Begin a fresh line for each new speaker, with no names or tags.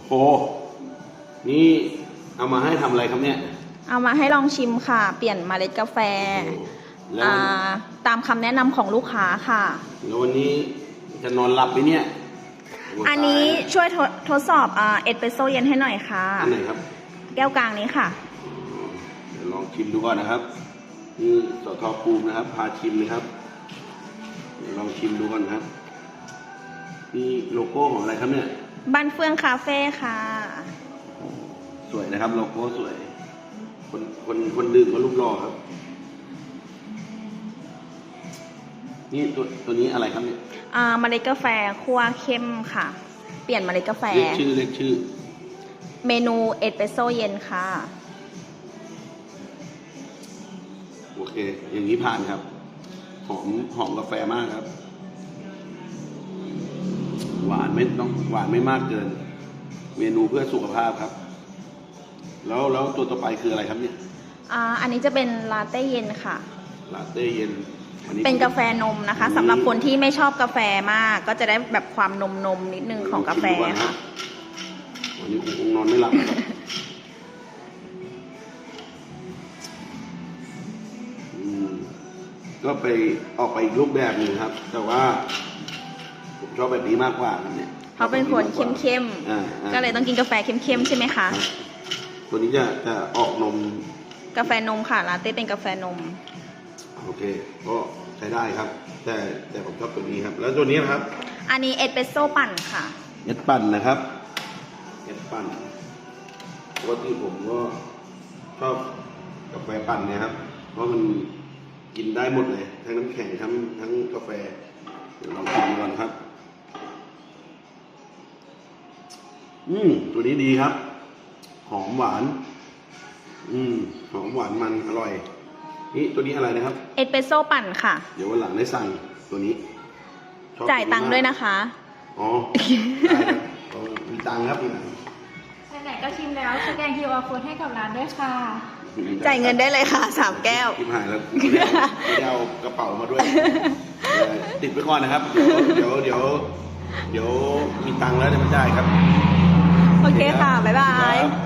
โหนี่เอามาให้ทำอะไรครับเนี่ย
เอามาให้ลองชิมค่ะ เปลี่ยนเมล็ดกาแฟ
แล้ว
ตามคำแนะนำของลูกค้าค่ะ
แล้ววันนี้จะนอนหลับไหมเนี่ย
อันนี้ช่วยทดสอบเอสเปรสโซ่เย็นให้หน่อยค่ะ
อันไหนครับ
แก้วกลางนี้ค่ะ
เดี๋ยวลองชิมดูก่อนนะครับนี่สทภูมินะครับพาชิมนะครับเดี๋ยวลองชิมดูก่อนครับนี่โลโก้ของอะไรครับเนี่ย
บ้านเฟื่องคาเฟ่ค่ะ
สวยนะครับโลโก้สวยคนดื่มก็รูปหล่อครับนี่ตัวนี้อะไรครับเนี่ย
เมล็ดกาแฟคั่วเข้มค่ะ เปลี่ยนเมล็ดกาแฟ
เรียกชื่อ
เมนูเอสเปรสโซ่เย็นค่ะ
โอเค อย่างนี้ผ่านครับหอมกาแฟมากครับ หวานไม่มากเกิน เมนูเพื่อสุขภาพครับ แล้วตัวต่อไปคืออะไรครับเนี่ย
อันนี้จะเป็นลาเต้เย็นค่ะ
ลาเต้เย็นอั
เป็นกาแฟนมนะคะสำหรับคนที่ไม่ชอบกาแฟมาก ก็จะได้แบบความนมนิดนึงของกาแฟค่ะ
วันนี้คงนอนไม่หลับครับก็ไปออกไปอีกรูปแบบหนึ่งครับ แต่ว่าผมชอบแบบนี้มากกว่าครับเนี่ย
เขาเป็นคนเข้มๆก็เลยต้องกินกาแฟเข้มๆใช่ไหมคะ
ตัวนี้จะออกนม
กาแฟนมค่ะลาเต้เป็นกาแฟนม
โอเค ก็ใช้ได้ครับ แต่ผมชอบตัวนี้ครับ แล้วตัวนี้นะครับ
อันนี้เอสเปรสโซ่ปั่นค่ะ
เอสปั่นนะครับเอสปั่นปกติผมก็ชอบกาแฟปั่นเนี่ยครับ เพราะมันกินได้หมดเลย ทั้งน้ำแข็งทั้งกาแฟเดี๋ยวลองชิมดูก่อนครับตัวนี้ดีครับ หอมหวานหอมหวานมันอร่อยนี่ตัวนี้อะไรนะครับ
เอสเปรสโซ่ปั่นค่ะ
เดี๋ยววันหลังได้สั่งตัวนี้ชอบ
จ่ายตังค์ด้วยนะคะ
อ๋อได้ครับมีตังค์ครับมีตังค์
ไหนๆก็ชิมแล้วสแกน QR code ให้กับร้านด้วยค่ะ
จ่ายเงินได้เลยค่ะ3 แก้ว
ทิมหายแล้วไม่ได้เอากระเป๋ามาด้วย ติดไว้ก่อนนะครับ เดี๋ยวมีตังค์แล้วเดี๋ยวมันได้ครับ
โอเคค่ะ บ๊ายบาย
ครับ